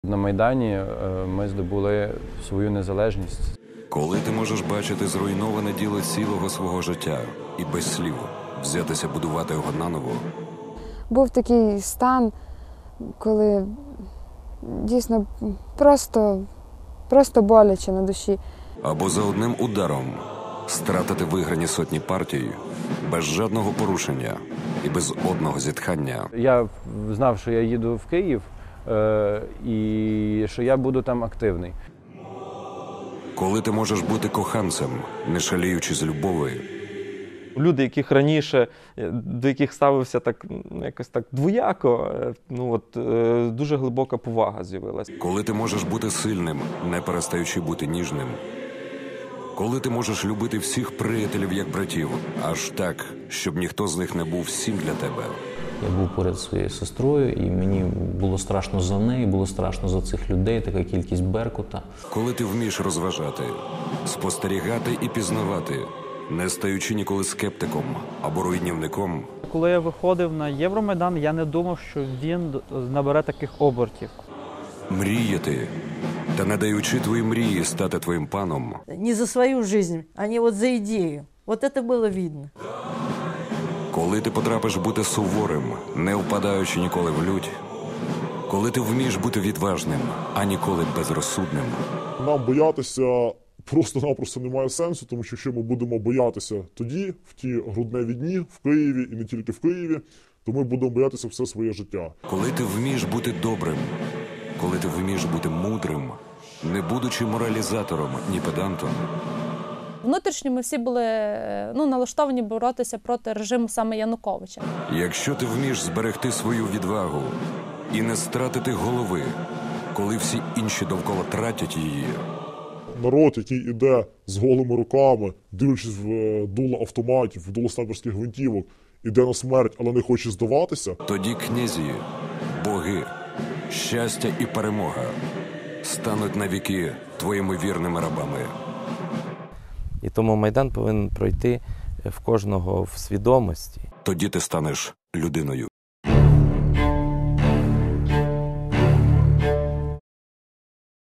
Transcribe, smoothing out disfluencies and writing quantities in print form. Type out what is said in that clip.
на Майдані ми здобули свою незалежність. Коли ти можеш бачити зруйноване діло цілого свого життя і без слів взятися будувати його наново. Був такий стан, коли дійсно просто боляче на душі. Або за одним ударом стратити виграні сотні партій без жодного порушення і без одного зітхання. Я знав, що я їду в Київ і що я буду там активний. Коли ти можеш бути коханцем, не шаліючи з любові. Люди, до яких ставився так, якось так двояко, дуже глибока повага з'явилася. Коли ти можеш бути сильним, не перестаючи бути ніжним. Коли ти можеш любити всіх приятелів як братів, аж так, щоб ніхто з них не був всім для тебе. Я був поряд зі своєю сестрою, і мені було страшно за неї, було страшно за цих людей, така кількість беркута. Коли ти вмієш розважати, спостерігати і пізнавати, не стаючи ніколи скептиком або руйнівником. Коли я виходив на Євромайдан, я не думав, що він набере таких обертів. Мріяти, та не даючи твої мрії стати твоїм паном. Не за свою жизнь, а не за ідею. Це було видно. Коли ти потрапиш бути суворим, не впадаючи ніколи в лють. Коли ти вмієш бути відважним, а ніколи безрозсудним. Нам боятися просто-напросто немає сенсу, тому що якщо ми будемо боятися тоді, в ті грудневі дні, в Києві і не тільки в Києві, то ми будемо боятися все своє життя. Коли ти вмієш бути добрим, коли ти вмієш бути мудрим, не будучи моралізатором, ні педантом. Внутрішньо ми всі були налаштовані боротися проти режиму саме Януковича. Якщо ти вмієш зберегти свою відвагу і не стратити голови, коли всі інші довкола тратять її. Народ, який іде з голими руками, дивлячись в дуло автоматів, в дуло снайперських гвинтівок, іде на смерть, але не хоче здаватися. Тоді князі, боги, щастя і перемога стануть навіки твоїми вірними рабами. І тому Майдан повинен пройти в кожного в свідомості. Тоді ти станеш людиною.